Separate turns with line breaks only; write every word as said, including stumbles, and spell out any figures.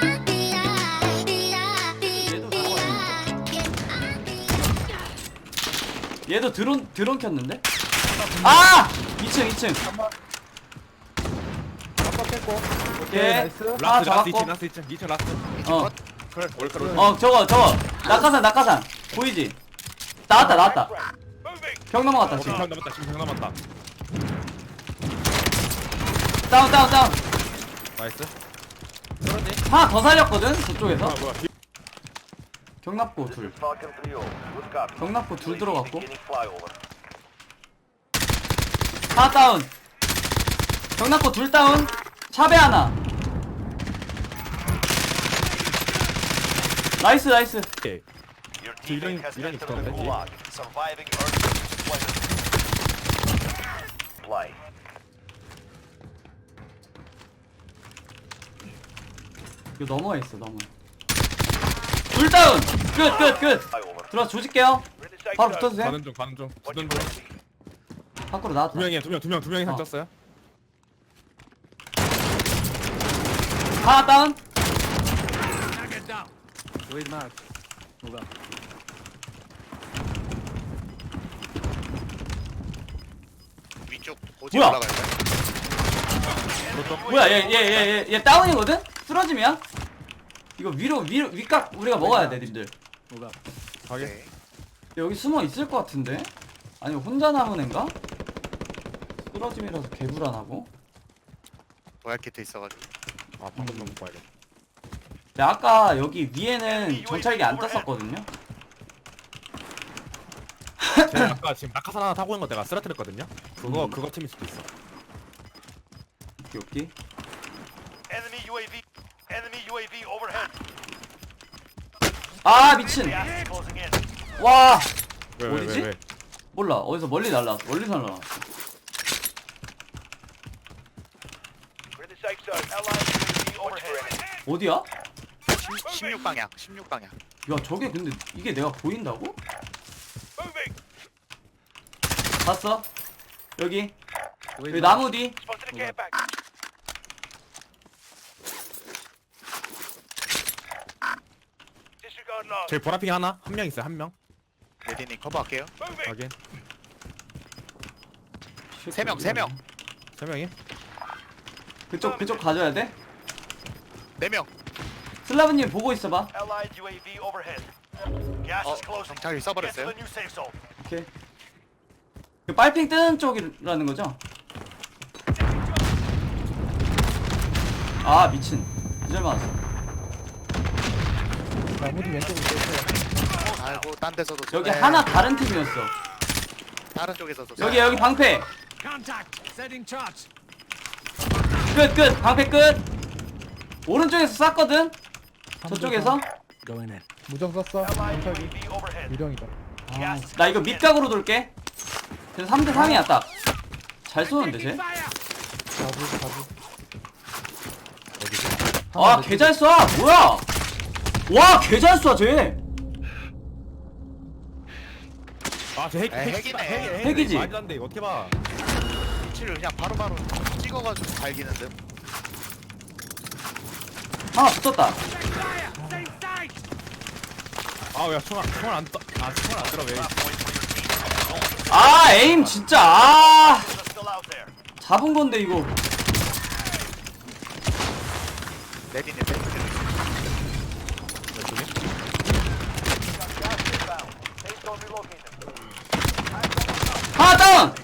얘도 드론 드론 켰는데? 아! 이 층 이 층.
한번 깼고. 오케이
예.
나이스.
아,
라스트 라스트
잡았고.
이 층 라스트 이 층 이 층 라스트.
어.
그래 올까 올.
어 저거 저거 낙하산 낙하산 보이지? 나왔다 나왔다. 벽 넘어갔다
지금
지금.
병 남았다 지금 병 남았다.
다운 다운 다운.
나이스.
하나 더 살렸거든 저쪽에서.
아 뭐야.
경납고 둘. 경납고 둘 들어갔고. 하나 다운. 경납고 둘 다운. 차배 하나. 나이스 나이스.
오케이. 이런 이런 있었는데.
이거 넘어가 있어 넘어. 둘 다운. 끝 끝 끝. 들어와 조질게요. 바로 붙어주세요.
가는 중 가는 중. 가는 중.
밖으로 나왔다.
두 명이야 두 명 두 명 두 명이
어.
상쳤어요.
하나 다운.
위쪽 고지
뭐야?
올라갈까요?
뭐야 얘 얘 얘 얘 얘 다운이거든? 쓰러짐이야? 이거 위로 위로 윗각 우리가 먹어야 돼 님들.
가게.
네.
여기 숨어 있을 것 같은데? 아니면 혼자 남은 앤가? 쓰러짐이라서 개불안하고.
도약 키트 있어가지고.
아 방금 좀 봐야겠다.
근데 아까 여기 위에는 정찰기 안 떴었거든요?
제가 아까 지금 낙하산 하나 타고 있는 거 내가 쓰러뜨렸거든요. 그거
음.
그거 팀일 수도 있어.
여기
Enemy U A V. Enemy U A V overhead.
아 미친.
Gas is closing in.
와
왜 왜
어디지?
왜 왜?
몰라 어디서 멀리 날라왔어 멀리서 날라왔어.
We're in the safe zone. Allied U A V overhead.
어디야?
십육 방향, 십육 방향.
야 저게 근데 이게 내가 보인다고?
Moving.
봤어? 여기 여기 나무 뒤.
Spotted a care pack. Disregard loss.
저기 보라핑 하나 한 명 있어요 한 명.
레디님 커버할게요.
Moving.
확인.
세 명, 세 명.
세 명이?
그쪽 그쪽 가져야 돼?
네 명.
슬라브님 보고 있어봐.
Allied U A V overhead. Gas
어,
is closing.
정찰기
Get to
써버렸어요.
the new safe zone.
오케이. 그 빨핑 뜨는 쪽이라는 거죠? 아 미친. 이절 맞았어.
나무디 왼쪽으로 뺐어요.
아이고, 딴 데서도
여기
쏘네.
하나 다른 팀이었어.
다른 쪽에서도
여기 여기 방패.
Contact! Setting charge!
끝 끝. 방패 끝. 오른쪽에서 쐈거든. 저쪽에서.
Going in.
무정 썼어.
Allied U A
정찰기.
V overhead.
유령이다.
아, 나 이거 밑각으로 돌게. 그래서 삼 대 삼이야 딱. 잘 쏘는데 쟤.
가부 가부.
아 개 잘 쏴. 뭐야? 와 개 잘 쏴 쟤.
아저 핵,
에이,
핵,
핵이네.
핵,
핵이지?
말도 안 돼. 이거 어떻게 봐?
위치를 그냥 바로바로 찍어가지고 갈기는 듯.
하나 붙었다.
Same site!
아야 총알 총알 안 떠. 아 총알 안 들어 왜?
아 에임 진짜. 아
They're still out there.
잡은 건데 이거.
레디님 왼쪽에.
이쪽에?
Gas inbound. Safe zone relocated.
하나 다운.